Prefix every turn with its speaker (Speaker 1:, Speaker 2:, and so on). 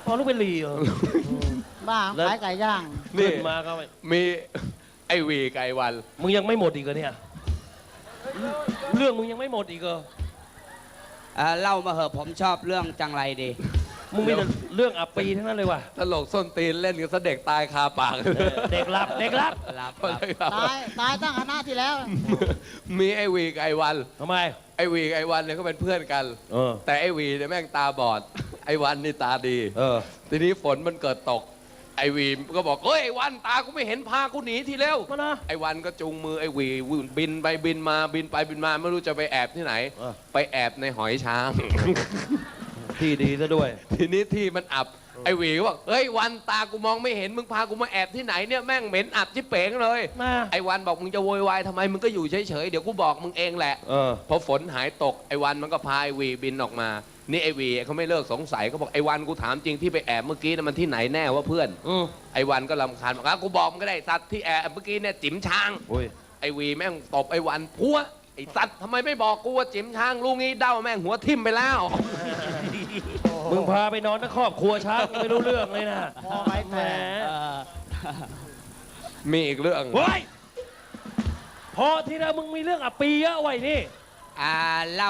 Speaker 1: พอลูกเป็นลีเหรอ
Speaker 2: บ้าขายไก่ย่าง
Speaker 1: ขึ้นมาก็
Speaker 3: มีไอวีกับไอวัน
Speaker 1: มึงยังไม่หมดอีกเหรอเนี่ยเรื่องมึงยังไม่หมดอีกเหรอ
Speaker 4: เล่ามาเหอะผมชอบเรื่องจังไรดี
Speaker 1: มึงมีแต่เรื่องอับปีทั้งนั้นเลยว่ะ
Speaker 3: ตลกส้นตีนเล่นกันซะเด็กตายคาปาก
Speaker 1: เด็กรับเด็กรับ
Speaker 2: ตายตั้งคณะที่แล้ว
Speaker 3: มีไอวีกับไอวัน
Speaker 1: ทำไม
Speaker 3: ไอวีกับไอวันเนี่ยก็เป็นเพื่อนกัน แต่ไอวีเนี่ยแม่งตาบอด ไอวันนี่ตาดีทีนี้ฝนมันเกิดตก ไอวีก็บอกเฮ้ยไอวันตากูไม่เห็นพากูหนีทีเร็ว
Speaker 1: มานะ
Speaker 3: ไอวันก็จูงมือไอวีบินไปบินมาบินไปบินมาไม่รู้จะไปแอบที่ไหน ไปแอบในหอยช้าง
Speaker 1: ที่ดีซะด้วย
Speaker 3: ทีนี้ที่มันอับไอวีก็บอกเฮ้ยวันตากูมองไม่เห็นมึงพากูมาแอบที่ไหนเนี่ยแม่งเหม็นอับชิบเป๋งเลย
Speaker 1: มา
Speaker 3: ไอวันบอกมึงจะโวยวายทำไมมึงก็อยู่เฉยๆเดี๋ยวกูบอกมึงเองแหละพอฝนหายตกไอวันมันก็พาไอวีบินออกมานี่ไอวีเขาไม่เลิกสงสัยเขาบอกไอวันกูถามจริงที่ไปแอบเมื่อกี้นะมันที่ไหนแน่ว่าเพื่อนไอวันก็รำคาญบอกกูบอกมึงก็ได้สัตว์ที่แอบเมื่อกี้เนี่ยจิ๋มช้างไอวีแม่งตบไอวันพัวไอสัตว์ทำไมไม่บอกกูว่าจิ๋มช้างลูกงี้เด้าแม่งหัวทิ่มไปแล้ว
Speaker 1: มึงพาไปนอนทั้งครอบครัวช้างไม่รู้เรื่องเลยนะ
Speaker 2: พอไป
Speaker 1: แหม
Speaker 3: มีอีกเรื่อง
Speaker 1: เฮ้ยพอทีละมึงมีเรื่องอับปีเยอะไว้นี่
Speaker 4: เล่า